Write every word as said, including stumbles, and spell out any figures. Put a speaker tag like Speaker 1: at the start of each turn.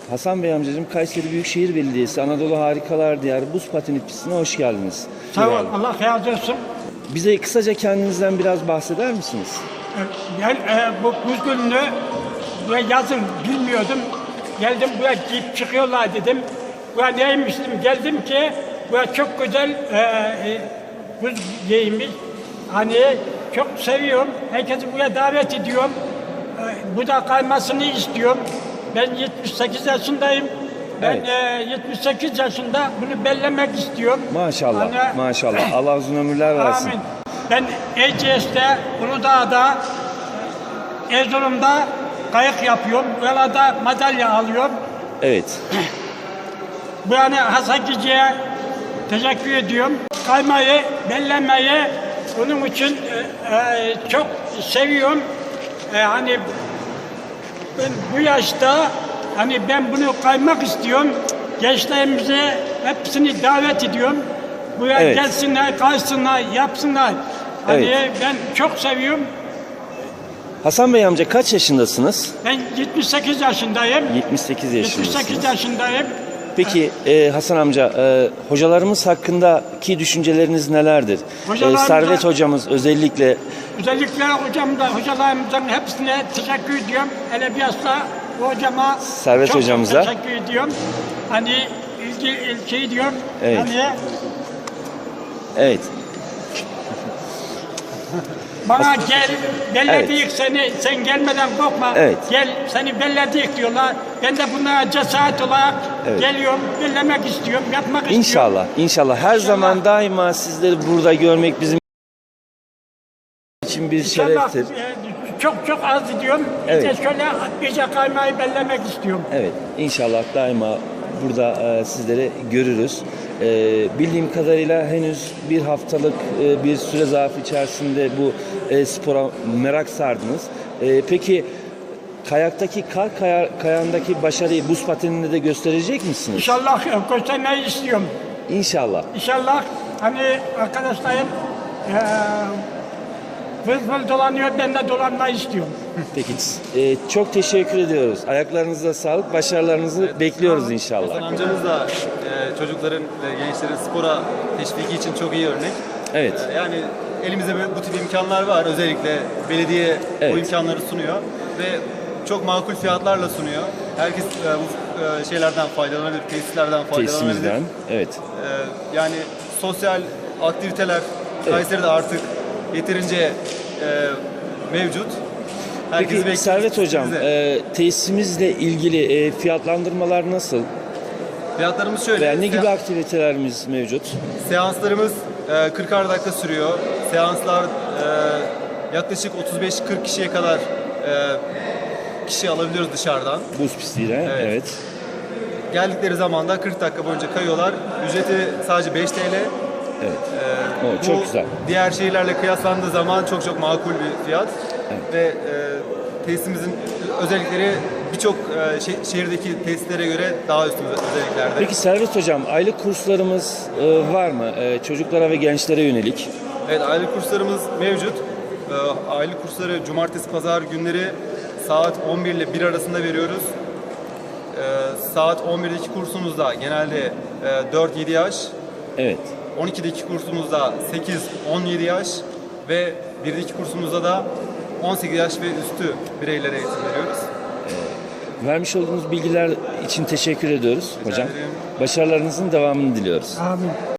Speaker 1: Hasan Bey amcacığım, Kayseri Büyükşehir Belediyesi Anadolu Harikalar Diyarı Buz Pateni Pistine hoş geldiniz.
Speaker 2: Sağ ol,
Speaker 1: Güzel.
Speaker 2: Allah razı olsun.
Speaker 1: Bize kısaca kendinizden biraz bahseder misiniz?
Speaker 2: Ben e, bu buz gününü buraya yazın bilmiyordum. Geldim buraya giyip çıkıyorlar dedim. Buraya neymiş dedim. Geldim ki buraya çok güzel e, e, buz giymiş. Hani çok seviyorum. Herkesi buraya davet ediyorum. E, burada kaymasını istiyorum. Ben yetmiş sekiz yaşındayım. Ben
Speaker 1: Evet.
Speaker 2: e, yetmiş sekiz yaşında bunu bellemek istiyorum.
Speaker 1: Maşallah,
Speaker 2: Hani-
Speaker 1: maşallah. Allah uzun ömürler versin.
Speaker 2: Amin. Ben E C S'te, Uludağ'da, Erzurum'da kayık yapıyorum. Buralarda madalya alıyorum.
Speaker 1: Evet.
Speaker 2: Bu yani Hasan Gici'ye teşekkür ediyorum. Kaymayı, bellemeyi bunun için e, e, çok seviyorum. E, hani ben bu yaşta hani ben bunu kaymak istiyorum. Gençlerimize hepsini davet ediyorum. Buraya
Speaker 1: Evet.
Speaker 2: gelsinler, kaysınlar, yapsınlar. Hani
Speaker 1: Evet.
Speaker 2: ben çok seviyorum.
Speaker 1: Hasan Bey amca, kaç yaşındasınız?
Speaker 2: Ben yetmiş sekiz yaşındayım.
Speaker 1: yetmiş sekiz
Speaker 2: yetmiş
Speaker 1: yaşındasınız.
Speaker 2: sekiz yaşındayım.
Speaker 1: Peki e, Hasan amca, e, hocalarımız hakkındaki düşünceleriniz nelerdir? E,
Speaker 2: Hocalarımıza-
Speaker 1: Servet hocamız özellikle
Speaker 2: Özellikle hocam da hocalarımızın hepsine teşekkür ediyorum. Hele bilhassa bu hocama
Speaker 1: Servet
Speaker 2: çok, çok
Speaker 1: hocamıza.
Speaker 2: teşekkür ediyorum. Hani ilgi, ilgi diyorum.
Speaker 1: Evet.
Speaker 2: Hani
Speaker 1: evet.
Speaker 2: bana gel, belledik
Speaker 1: Evet.
Speaker 2: seni, sen gelmeden korkma.
Speaker 1: Evet.
Speaker 2: Gel, seni belledik diyorlar. Ben de bunlara cesaret olarak
Speaker 1: Evet.
Speaker 2: geliyorum, bellemek istiyorum, yapmak istiyorum.
Speaker 1: İnşallah, inşallah. Her zaman daima sizleri burada görmek bizim için bir
Speaker 2: İnşallah,
Speaker 1: şereftir.
Speaker 2: e, çok çok az diyorum.
Speaker 1: Evet.
Speaker 2: İşte şöyle iyice kaymayı bellemek istiyorum.
Speaker 1: Evet, inşallah daima burada e, sizleri görürüz. E, bildiğim kadarıyla henüz bir haftalık e, bir süre zarfı içerisinde bu e, spora merak sardınız. E, peki kayaktaki kar kaya, kayandaki başarıyı buz pateninde de gösterecek misiniz?
Speaker 2: İnşallah e, göstermeyi istiyorum.
Speaker 1: İnşallah.
Speaker 2: İnşallah hani arkadaşlarım eee vız vız dolanıyor, ben de dolanmayı istiyorum.
Speaker 1: Peki, e, çok teşekkür ediyoruz. Ayaklarınıza sağlık, başarılarınızı bekliyoruz inşallah.
Speaker 3: Hasan amcamız da e, çocukların ve gençlerin spora teşviki için çok iyi örnek.
Speaker 1: Evet.
Speaker 3: E, yani elimizde böyle bu tip imkanlar var. Özellikle belediye
Speaker 1: Evet.
Speaker 3: bu imkanları sunuyor ve çok makul fiyatlarla sunuyor. Herkes e, bu e, şeylerden faydalanabilir, tesislerden faydalanabilir.
Speaker 1: Tesisimizden. Evet.
Speaker 3: E, yani sosyal aktiviteler Kayseri'de artık yeterince e, mevcut. Herkesi
Speaker 1: Peki
Speaker 3: bekliyoruz.
Speaker 1: Servet Hocam,
Speaker 3: Biz de.
Speaker 1: e, tesisimizle ilgili e, fiyatlandırmalar nasıl?
Speaker 3: Fiyatlarımız şöyle.
Speaker 1: Veya ne gibi
Speaker 3: Se-
Speaker 1: aktivitelerimiz mevcut?
Speaker 3: Seanslarımız e, kırkar dakika sürüyor. Seanslar e, yaklaşık otuz beş kırk kişiye kadar e, kişi alabiliyoruz dışarıdan.
Speaker 1: Buz pistiyle, evet.
Speaker 3: Evet. Geldikleri zaman da kırk dakika boyunca kayıyorlar. Ücreti sadece beş TL.
Speaker 1: Evet.
Speaker 3: E,
Speaker 1: O, çok güzel.
Speaker 3: Diğer şehirlerle kıyaslandığı zaman çok çok makul bir fiyat. Ve e, tesisimizin özellikleri birçok e, şe- şehirdeki tesislere göre daha üstün özelliklerde.
Speaker 1: Peki Servet Hocam, aylık kurslarımız e, var mı? E, çocuklara ve gençlere yönelik.
Speaker 3: Evet, aylık kurslarımız mevcut. Ee, aylık kursları cumartesi, pazar günleri saat on bir ile bir arasında veriyoruz. Ee, saat on birdeki kursumuzda genelde e, dört yedi yaş,
Speaker 1: Evet.
Speaker 3: on ikideki kursumuzda sekiz on yedi yaş ve birdeki kursumuzda da on sekiz yaş ve üstü bireylere eğitim veriyoruz.
Speaker 1: Vermiş olduğunuz bilgiler için teşekkür ediyoruz hocam.
Speaker 3: ederim.
Speaker 1: Başarılarınızın devamını diliyoruz.
Speaker 2: Amin.